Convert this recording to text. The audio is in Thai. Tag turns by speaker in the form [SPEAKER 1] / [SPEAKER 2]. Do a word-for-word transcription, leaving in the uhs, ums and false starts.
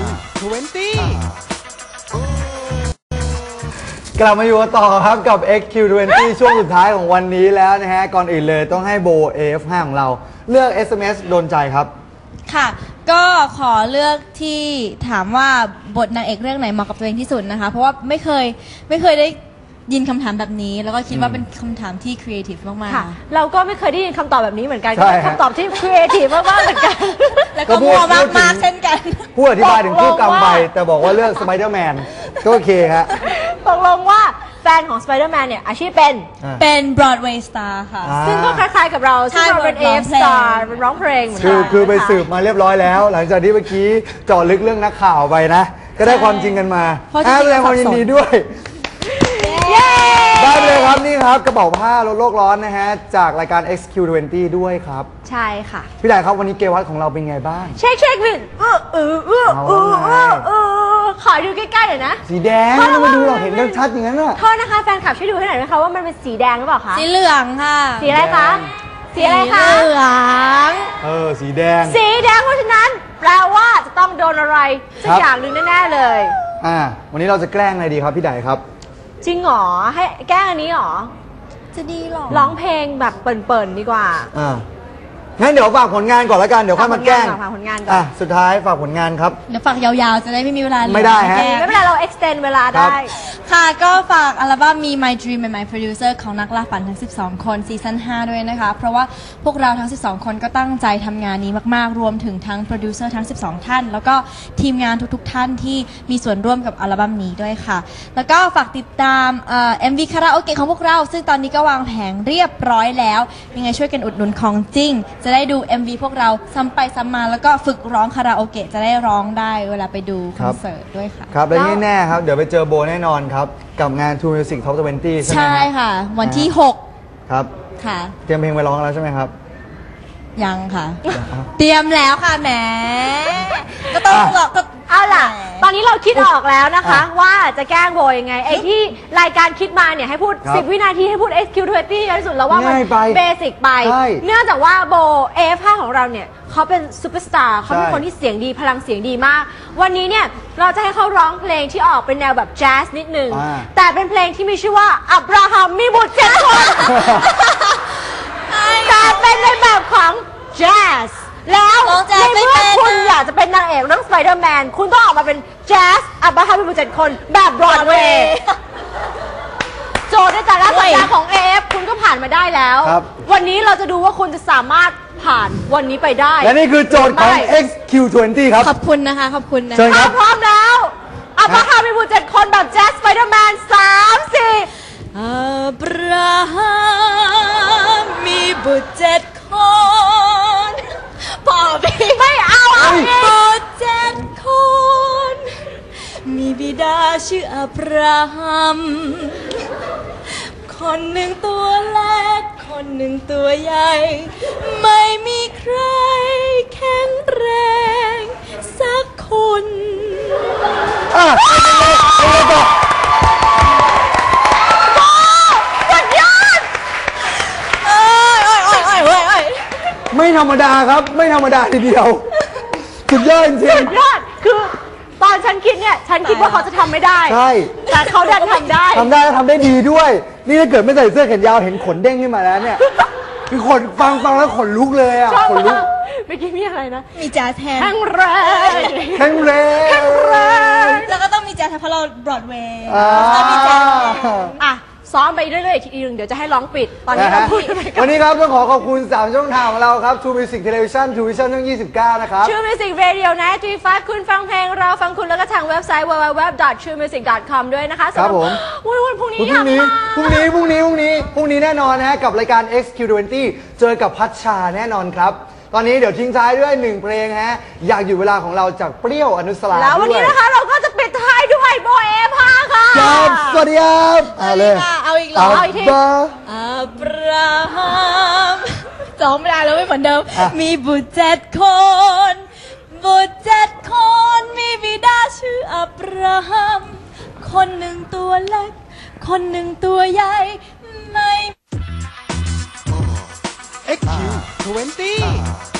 [SPEAKER 1] ยี่สิบ
[SPEAKER 2] กลับมาอยู่ต่อครับกับ เอ็กซ์ คิว ยี่สิบ ช่วงสุดท้ายของวันนี้แล้วนะฮะก่อนอื่นเลยต้องให้โบ เอ เอฟ ห้า ของเราเลือก เอส เอ็ม เอส โดนใจครับ
[SPEAKER 3] ค่ะก็ขอเลือกที่ถามว่าบทนางเอกเรื่องไหนเหมาะกับตัวเองที่สุดนะคะเพราะว่าไม่เคยไม่เคยได้ยินคำถามแบบนี้แล้วก็คิดว่าเป็นคำถามที่ครีเอทีฟมาก
[SPEAKER 4] ๆเราก็ไม่เคยได้ยินคำตอบแบบนี้เหมือนกันเป็นคำตอบที่ครีเอทีฟมากๆเหมือนกัน
[SPEAKER 3] แล้วก็มัวมากๆเช่นกัน
[SPEAKER 2] ผู้อธิบายถึงคู่กรรมไปแต่บอกว่าเลือกสไปเดอร์แมนก็โอเคฮะ
[SPEAKER 4] ตกลงว่าแฟนของสไปเดอร์แมนเนี่ยอาชีพเป็น
[SPEAKER 3] เป็นบรอดเวย์สตาร์ค่ะ
[SPEAKER 4] ซึ่งก็คล้ายๆกับเราซึ่งเราเป็น เอ เอฟ สตาร์เป็นร้องเพลงเหมือนกัน
[SPEAKER 2] คือคือไปสืบมาเรียบร้อยแล้วหลังจากที่เมื่อกี้เจาะลึกเรื่องนักข่าวไปนะก็ได้ความจริงกันมาแสดงความยินดีด้วยได้เลยครับนี่ครับกระเป๋าผ้าลดโลกร้อนนะฮะจากรายการ เอ็กซ์ คิว ยี่สิบ ด้วยครับ
[SPEAKER 4] ใช่ค่ะ
[SPEAKER 2] พี่ใหญ่ครับวันนี้เกวัตของเราเป็นไงบ้าง
[SPEAKER 4] เช็คเช็ควินเออเออเออเออเออขอดูใกล้ๆหน่อยนะ
[SPEAKER 2] สีแดงไม่มาดูหรอกเห็นชัดอย่างนั้นน่ะ
[SPEAKER 4] โทษนะคะแฟนคลับช่วยดูให้หน่อยนะคะว่ามันเป็นสีแดงหรือเปล่าคะ
[SPEAKER 3] สีเหลืองค่ะ
[SPEAKER 4] สีอะไรคะสีอะไรคะ
[SPEAKER 3] เหลือง
[SPEAKER 2] เออสีแดง
[SPEAKER 4] สีแดงเพราะฉะนั้นแปลว่าจะต้องโดนอะไรสักอย่างหนึ่งแน่ๆเลย
[SPEAKER 2] อ่าวันนี้เราจะแกล้งอะไรดีครับพี่ใหญ่ครับ
[SPEAKER 4] จริงหรอให้แกล้งอันนี้หรอ
[SPEAKER 3] จะดีหรอ
[SPEAKER 4] ร้องเพลงแบบเปิ่นๆดีกว่า
[SPEAKER 2] อ่างั้นเดี๋ยวฝากผลงานก่อนแล้วกันเดี๋ยวค่อยมาแกล้ง
[SPEAKER 4] ฝากผลงานก่อน
[SPEAKER 2] อ่ะสุดท้ายฝากผลงานครับ
[SPEAKER 3] เดี๋ยวฝากยาวๆจะได้ไม่มีเวลา
[SPEAKER 2] ไม่ได้ฮะ
[SPEAKER 4] ไม่เป็นไรเรา extend เวลาได้
[SPEAKER 3] ค่ะก็ฝากอัลบั้มมี My Dream and My Producer ของนักล่าฝันทั้งสิบสองคนซีซั่นห้าด้วยนะคะเพราะว่าพวกเราทั้งสิบสองคนก็ตั้งใจทำงานนี้มากๆรวมถึงทั้งโปรดิวเซอร์ทั้งสิบสองท่านแล้วก็ทีมงานทุกๆท่านที่มีส่วนร่วมกับอัลบั้มนี้ด้วยค่ะแล้วก็ฝากติดตามเอ่อ เอ็ม วี คาราโอเกะของพวกเราซึ่งตอนนี้ก็วางแผงเรียบร้อยแล้วยังไงช่วยกันอุดหนุนของจริงจะได้ดู เอ็ม วี พวกเราซ้ำไปซ้ำมาแล้วก็ฝึกร้องคาราโอเกะจะได้ร้องได้เวลาไปดูคอนเสิร์ตด้วยค่ะ
[SPEAKER 2] ครับและแน่ๆครับเดี๋ยวไปเจอโบแน่นอนครับกับงาน True Music Top ยี่สิบใช่ไหม
[SPEAKER 3] ใช่ค่ะวันที่หก
[SPEAKER 2] ครับ
[SPEAKER 3] ค่ะ
[SPEAKER 2] เตรียมเพลงไปร้องแล้วใช่ไหมครับ
[SPEAKER 3] ยังค่ะเตรียมแล้วค่ะแหมก็ต้องก็
[SPEAKER 4] เอาล่ะตอนนี้เราคิดออกแล้วนะคะว่าจะแกล้งโบยังไงไอ้ที่รายการคิดมาเนี่ยให้พูดสิบวินาทีให้พูด เอ็กซ์ คิว ยี่สิบ ที่สุดแล้วว่ามันเบสิกไปเนื่องจากว่าโบ เอ เอฟ ห้า ของเราเนี่ยเขาเป็นซูเปอร์สตาร์เขาเป็นคนที่เสียงดีพลังเสียงดีมากวันนี้เนี่ยเราจะให้เขาร้องเพลงที่ออกเป็นแนวแบบแจ๊สนิดนึงแต่เป็นเพลงที่มีชื่อว่าอับราฮัมมีบุตรเจ็ดคนแต่เป็นในแบบของแจ๊สแล้วในเมื่อคุณอยากจะเป็นนางเอกเรื่องสไปเดอร์แมนคุณต้องออกมาเป็นแจ๊สอับราฮัมมีบุตรเจ็ดคนแบบบรอดเวย์โจทย์ในแต่ละสัปดาห์ของ เอ เอฟ คุณก็ผ่านมาได้แล้ววันนี้เราจะดูว่าคุณจะสามารถผ่านวันนี้ไปได้
[SPEAKER 2] และนี่คือโจทย์ของ เอ็กซ์ คิว ยี่สิบ ครับ
[SPEAKER 3] ขอบคุณนะคะขอบคุณนะ
[SPEAKER 4] ถ้าพร้อมแล้วอับราฮัมมีบุตรเจ็ดคนแบบแจ๊สสไปเดอร์แมนสามสี่
[SPEAKER 3] อับราฮัมมีบุตรเจ็ดคนพอพี่
[SPEAKER 4] ไม่เอาเอาเอง
[SPEAKER 3] บุตรเจ็ดคนมีบิดาชื่ออับราฮัมคนหนึ่งตัวเล็กคนหนึ่งตัวใหญ่ไม่มีใครแข็งแรงสักคน
[SPEAKER 2] อ่ะเอาเลยต่อ
[SPEAKER 4] สุดยอด
[SPEAKER 3] เอ้ยเอ้ยเอ้ยเอ้ยเอ้ย
[SPEAKER 2] ไม่ธรรมดาครับไม่ธรรมดาทีเดียวสุดยอดจริง
[SPEAKER 4] สุดยอดคือตอนฉันคิดเนี่ยฉันคิดว่าเขาจะทำไม่ได้
[SPEAKER 2] ใช่
[SPEAKER 4] แต่เขาดันทำได้
[SPEAKER 2] ทำได้ทำได้ดีด้วยนี่ถ้าเกิดไม่ใส่เสื้อแขนยาวเห็นขนเด้งขึ้นมาแล้วเนี่ยคือขนฟังฟังแล้วขนลุกเลยอ่ะขนลุก
[SPEAKER 4] เมื่อกี้มีอะไรนะ
[SPEAKER 3] มีแจ๊สแทน
[SPEAKER 4] แข็งแรง
[SPEAKER 2] แข็งแรง
[SPEAKER 4] แข็งแรง
[SPEAKER 3] แล้วก็ต้องมีแจ๊สเพราะเราบรอดเวย์
[SPEAKER 4] ต้องมีแจ๊สอ่ะซ้อมไปเรื่อยๆทีนึงเดี๋ยวจะให้ร้องปิดตอนนี้เราพูด
[SPEAKER 2] วันนี้ครับต้องขอขอบคุณสามช่องทางของเราครับ True Music Television True Vision ช่องยี่สิบเก้านะครับ
[SPEAKER 4] True Music Radio นะ จี ไฟว์ คุณฟังเพลงเราฟังคุณแล้วก็ทางเว็บไซต์ ดับเบิลยู ดับเบิลยู ดับเบิลยู ดอท ทรูมิวสิก ดอท คอม ด้วยนะคะ
[SPEAKER 2] ครับผม
[SPEAKER 4] วันพรุ่งนี้
[SPEAKER 2] พรุ่งนี้พรุ่งนี้พรุ่งนี้พรุ่งนี้พรุ่งนี้แน่นอนนะฮะกับรายการ เอ็กซ์ คิว ยี่สิบ เจอกับพัชชาแน่นอนครับตอนนี้เดี๋ยวทิ้งท้ายด้วยหนึ่งเพลงฮะอยากอยู่เวลาของเราจากเปรี้ยวอนุสรา
[SPEAKER 4] แล้ววันนี้นะคะเราก็จะปิดท้ายด้วยโบ เอ เอฟ ห้า ค่ะ
[SPEAKER 2] ครับสวัสดีครับ
[SPEAKER 3] เอาเลยเอาอีกแล้วเอาอีกทีอับราฮัมจองไม่ได้แล้วไม่เหมือนเดิมมีบุตรเจ็ดคนบุตรเจ็ดคนมีบิดาชื่ออับราฮัมคนหนึ่งตัวเล็กคนหนึ่งตัวใหญ่ไม่
[SPEAKER 1] เอ็กซ์ คิว ยี่สิบ